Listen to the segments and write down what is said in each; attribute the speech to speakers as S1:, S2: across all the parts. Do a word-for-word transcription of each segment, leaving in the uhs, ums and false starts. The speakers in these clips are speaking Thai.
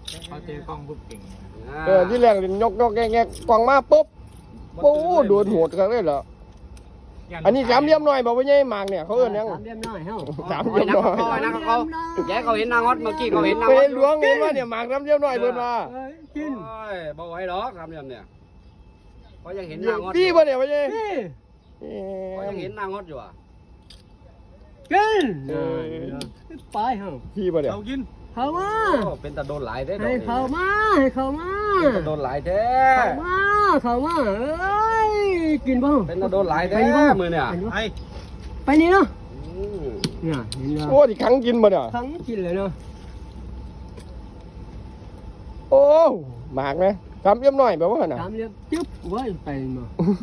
S1: เขาเจอกล้องปุ๊บเก่ง
S2: เออที่แรกยกยกแงกกองมาปุ๊บโอ้โดนโหดกันเลยเหรออันนี้สามเหลี่ยมหน่อยบอกว่าไงหมากเนี่ยเขาเอิ้นยัง
S3: สามเหลี่ยมน้อยเฮ้า
S2: สามเหลี่ยมหน่อย
S4: เขานะเขาแกเขาเห็นนางฮอตเมื่อกี้เขาเห็นนาง
S2: ไป
S4: ฮอต
S2: หลวงเห็นว่าเนี่ยหมากสามเหลี่ยมหน่อยเพิ่นว่า
S3: กิน
S4: โอ้ยบอกไว้หรอกครับเนี่ยเนี่ยเขายังเห็นนางฮอต
S2: พี่ป่ะเนี่ยว่าไง
S3: นี่
S4: เขายังเห็นนางฮอตอยู่อ่ะ
S3: กินไปเฮ้า
S2: พี่ป่ะเนี่ย
S1: เขากิน
S3: เข้ามา
S4: เป็นตะโดนหลายได้
S3: ให้เข้ามาให้เข้ามา
S4: เป็นตะโดนหลายแท้
S3: เข้ามาเข้ามาเอ้ยกินบ้าง
S4: เป็นตะโดนหลายแท้มือเนี่ย
S1: ไอ้
S3: ไปนี่เนาะเนี่ยเห็น
S2: โอ้ที่ขังกินป่ะเนี่ย
S3: ทั้งกินเลยเนาะ
S2: โอ้หมากนะสามเหลี่ยมหน่อยแบบว่าน่ะ
S3: สามเหลี่ยมจึ๊บไว้ไปมา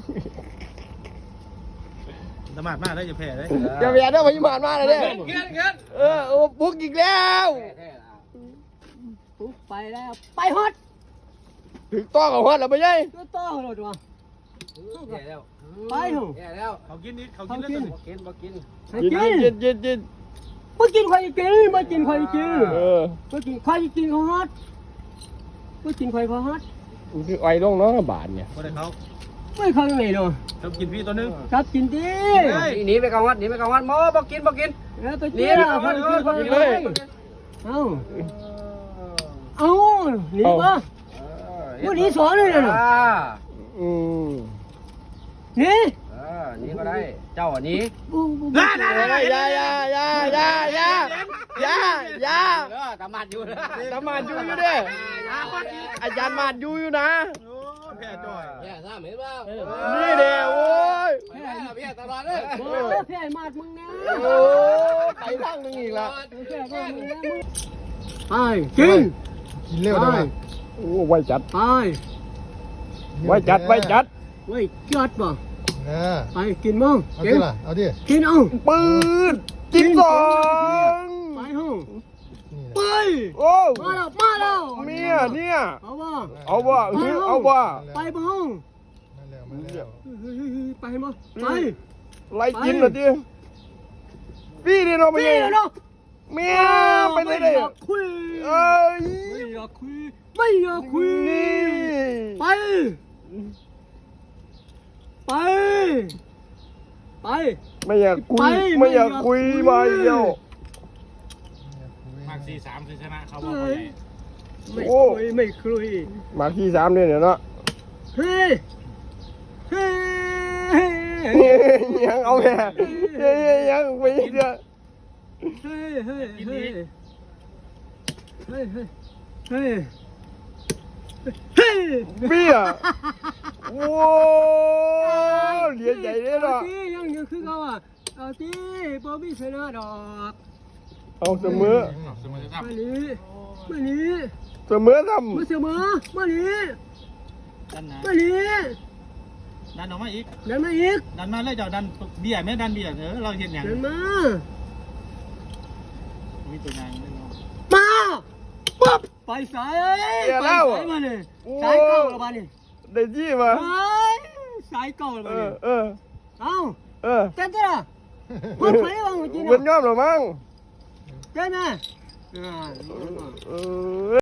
S1: สมาร์ทมากเลยจะแพ้เลย
S2: จะแย่ได้พยาบาลมาเลยเนี่ย
S4: เงี้ยเงี้ย
S2: เออโอ้บุกอีกแล้ว
S3: ปุ๊บไปแล้วไปฮอต
S2: ถึงต้องกับฮอดแล้วไปยัย
S3: ก็ต่อรถว่ะ
S4: แย่แล้ว
S3: ไปเหรอ
S4: แย่แล้ว
S1: เขากินนี่เขากินแล้ว
S4: บ่กินบ่กิน
S3: ให้
S2: กิน
S3: กิน
S2: กินกินกิน
S3: มากินใครกินมากินใครกิน
S2: เออ
S3: มากินใครกินเขาฮอตมากินใครเขาฮอต
S2: คือไอ้ลงเนาะบาทเนี่ย
S1: คนไหนเขา
S3: ไม่เข้าไหนเนาะ
S1: เขากินพี่ตัวนึง
S3: ครับกินดิ
S4: หนีไปกลางวัดหนีไปกลางวัดโมบ่กินบ่กิน
S3: แล้วไป
S4: หนี
S3: กิน
S4: ไป
S3: อ่ะ
S4: กลาง
S3: ค
S4: วัน ด
S3: กิน
S4: เอ
S3: ค
S4: อน บ่
S3: กิ
S4: กิ
S3: น
S4: น
S3: เล
S4: เลย ย
S3: เอ้าเอ้าหนีปะวันนี้สอนเลยนะ
S4: อ่า
S2: อืม
S3: หนี่
S4: เออนี่ก็ได้เจ้าอันนี้
S3: บูบู
S1: ได้ได้
S2: ยา
S1: ได้
S2: ยายายายายายายา
S4: เออตามัดอยู่นะ
S2: สมาดอยู่อยู่เด้อาจารย์มาดอยู่อยู่นะ
S1: โอ้แพ้จ่อย
S4: แย่ทราบเห็นเปล่า
S2: นี่เด้โอ้ย
S4: แย่แย่ตลอดเลย
S3: โอ้แพ้มาดมึงนะ
S2: โอ้ไปทางนึงอีกละ
S3: แพ้มาดมึงนะมึงไปกิน
S5: กินเร็วได้ไหม
S2: โอ้ไวจัด
S3: ไป
S2: ไวจัดไวจัด
S3: เว้ยจัดป่ะ
S5: เออ
S3: ไปกินมั้ง
S5: เอา
S3: กิ
S5: ดิ
S3: น
S5: ล่ะเอาดิ
S3: กินเอา
S2: ปืนกินสอง
S3: ไปห้อง
S5: นี่
S3: ไป
S5: นะ
S2: โอ้
S3: มาแล้วมาแล้ว
S2: เมียเนี่ย
S3: เอาว่า
S2: เอาว่าเอาว่า
S3: ไปบ้ห้อง
S5: มาแล้วมาแล้ว
S3: ไปมั้งไป
S2: ไล่กินเหรอดิพี่นี่เราไม่
S3: พี่
S2: ใช่
S3: เนาะ
S2: เมียไปไหนเลย
S3: ม่อยากคุย
S2: เอ้ย
S3: ไม่อยากคุยไม่อยากคุย
S2: นี่
S3: ไปไปไป
S2: ไม่อยากคุยไม่อยากคุยมาเดียว
S1: มากสี่สามคือชนะเขาบ
S3: เฮ
S1: อกเขา
S3: ้ย
S1: ใหญ่
S3: ไม่คุยไม่คุย
S2: มาที่สามเนี่ยเนาะ
S3: เฮ้ยเฮ้ย
S2: ยังเอาแม่ยังไปเดียว
S3: เฮ้ยเฮ้ยเฮ้ยเฮ้ยเฮ้ยเฮ้ยเฮ้ย
S2: พี่อ่ะโอ้เหรียญใหญ่เลยเนาะ
S3: ที่ยังอยู่คือเขาอ่ะเอาที่บอบบี้ชนะดอก
S2: เอาเสมอ
S1: สมมติจะท
S3: มานี้มานี้
S2: เสมอท
S3: มาเสมอมานี้
S1: ำดันนะ
S3: มานี้
S1: ดันออกมาอีก
S3: เดินมาอีก
S1: ดันมาเลยเจ้าดันเบี้ยไม่ดันเบี้ยเออเราเห็นอย่าง
S3: เดินมา
S1: มีตัวงานไม่รู้
S3: มาปุ๊บไปสายไปสายมาเลยสายเก่าแล้วบ้านี่
S2: ำได้ที่มา
S3: ไปสายเก่าแล้ว
S2: เอ
S3: บ้า
S2: อ
S3: นี่
S2: เออ
S3: เอ้า
S2: เออ
S3: เต้นเต้นอ่ะพูดไปว่าเมื่อกี้
S2: เป็น
S3: นะ
S2: ยอมหรือมั้ง
S3: เต้นนะ
S2: เออ